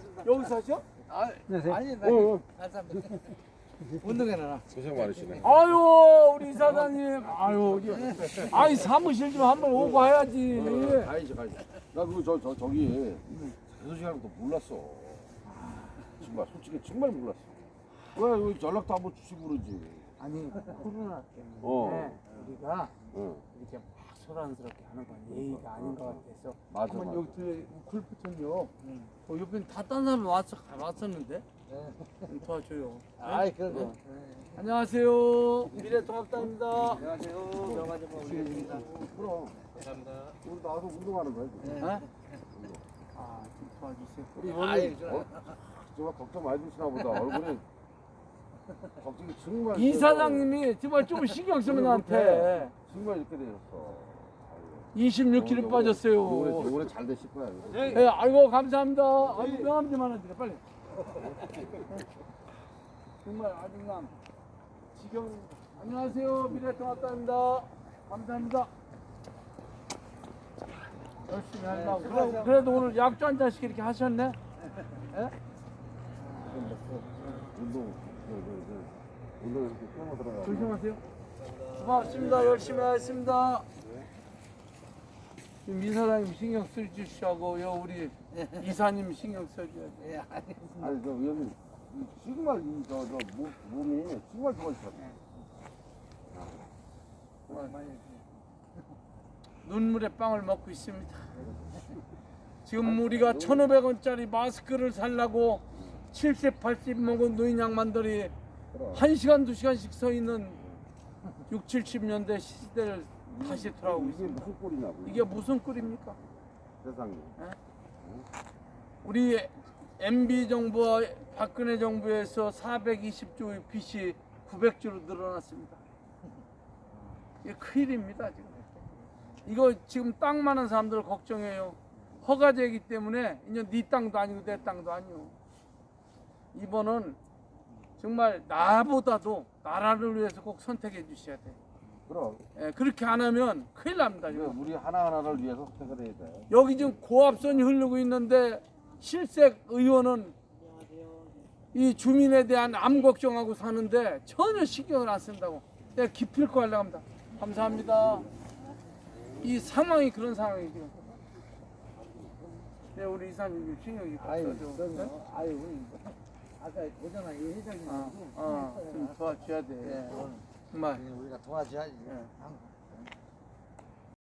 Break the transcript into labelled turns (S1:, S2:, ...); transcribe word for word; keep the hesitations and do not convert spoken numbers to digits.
S1: 여기 사셔?
S2: 아, 아니, 나
S1: 어, 어.
S2: 감사합니다. 운동해 놔.
S3: 고생 많으시네.
S1: 아유 우리 이사장님 아유 아이 사무실 좀 한번 오고 가야지.
S3: 어, 가야지 가야지. 나 그거 저, 저 저기 대소식하는 것도 몰랐어. 정말 솔직히 정말 몰랐어. 왜 여기 연락도 한번 주시고 그러지.
S1: 아니 코로나 때문에
S3: 어.
S1: 우리가
S3: 응.
S1: 이렇게 막 소란스럽게 하는 건 예의가 아닌 것 같아서
S3: 맞아,
S1: 한번
S3: 맞아.
S1: 여기 들 골프촌요. 어, 옆에 다딴 사람 왔어 왔었는데 좀 도와줘요.
S2: 아이, 그러고.
S1: 안녕하세요. 미래통합당입니다.
S2: 안녕하세요. 명화점 올리겠습니다.
S3: 그럼
S2: 감사합니다.
S3: 우리 나와서 운동하는 거야. 지금.
S1: 네? 아, 좀 도와주세요.
S3: 우리
S2: 아이,
S3: 형님
S2: 좋아.
S3: 어, 정말 걱정 많이 되시나 보다. 얼굴이 걱정이 정말.
S1: 이
S3: 돼서
S1: 사장님이 정말 좀 신경 쓰면 나한테
S3: 정말 이렇게 되셨어.
S1: 이십육 킬로 빠졌어요.
S3: 올해 올해 잘 되실 거야.
S2: 네.
S1: 네, 아이고 감사합니다. 아이고 명함 좀 하나 드려 빨리. 정말 아주 그냥 지경. 안녕하세요 미래통합당입니다. 감사합니다. 열심히 하려고. 그래, 그래도 오늘 약주 한 잔씩 이렇게 하셨네. 예?
S3: 운동, 운동 이렇게 끊어 들어가.
S1: 조심하세요. 고맙습니다. 열심히 하겠습니다. 지금 이사장님 신경 써주시고 우리 이사님 신경 써줘야지.
S2: 예, 알겠습니다.
S3: 아니 저 여기 정말 이저저 몸이 정말 좋아지셨어.
S1: 눈물의 빵을 먹고 있습니다. 지금 우리가 천오백 원짜리 마스크를 살라고 칠십, 팔십 먹은 노인 양반들이 한 시간, 두 시간씩 서 있는 육, 칠십 년대 시대를 다시 돌아오고
S3: 이게
S1: 있습니다.
S3: 무슨 꼴이냐고.
S1: 이게 무슨 꼴입니까?
S3: 세상에.
S1: 우리 엠비 정부와 박근혜 정부에서 사백이십 조의 빚이 구백 조로 늘어났습니다. 이게 큰일입니다 지금. 이거 지금 땅 많은 사람들 걱정해요. 허가제이기 때문에 이제 네 땅도 아니고 내 땅도 아니고. 이번은 정말 나보다도 나라를 위해서 꼭 선택해 주셔야 돼요.
S3: 그럼
S1: 예, 그렇게 안 하면 큰일 납니다
S3: 이거
S1: 지금.
S3: 우리 하나 하나를 위해서 선택을 해야 돼.
S1: 여기 지금 고압선이 흐르고 있는데 실색 의원은 이 주민에 대한 암 걱정하고 사는데 전혀 신경을 안 쓴다고. 내가 기필코 하려고 합니다. 감사합니다. 이 상황이 그런 상황이죠. 네, 우리 이사님 신경이
S2: 아유,
S1: 없어져.
S2: 그럼요. 아유, 우리 아까 오잖아, 이 회장님.
S1: 어, 어, 좀 도와줘야 돼.
S2: 예, 오늘
S1: 정말.
S2: 우리가 도와줘야지.
S1: 예.
S2: 한-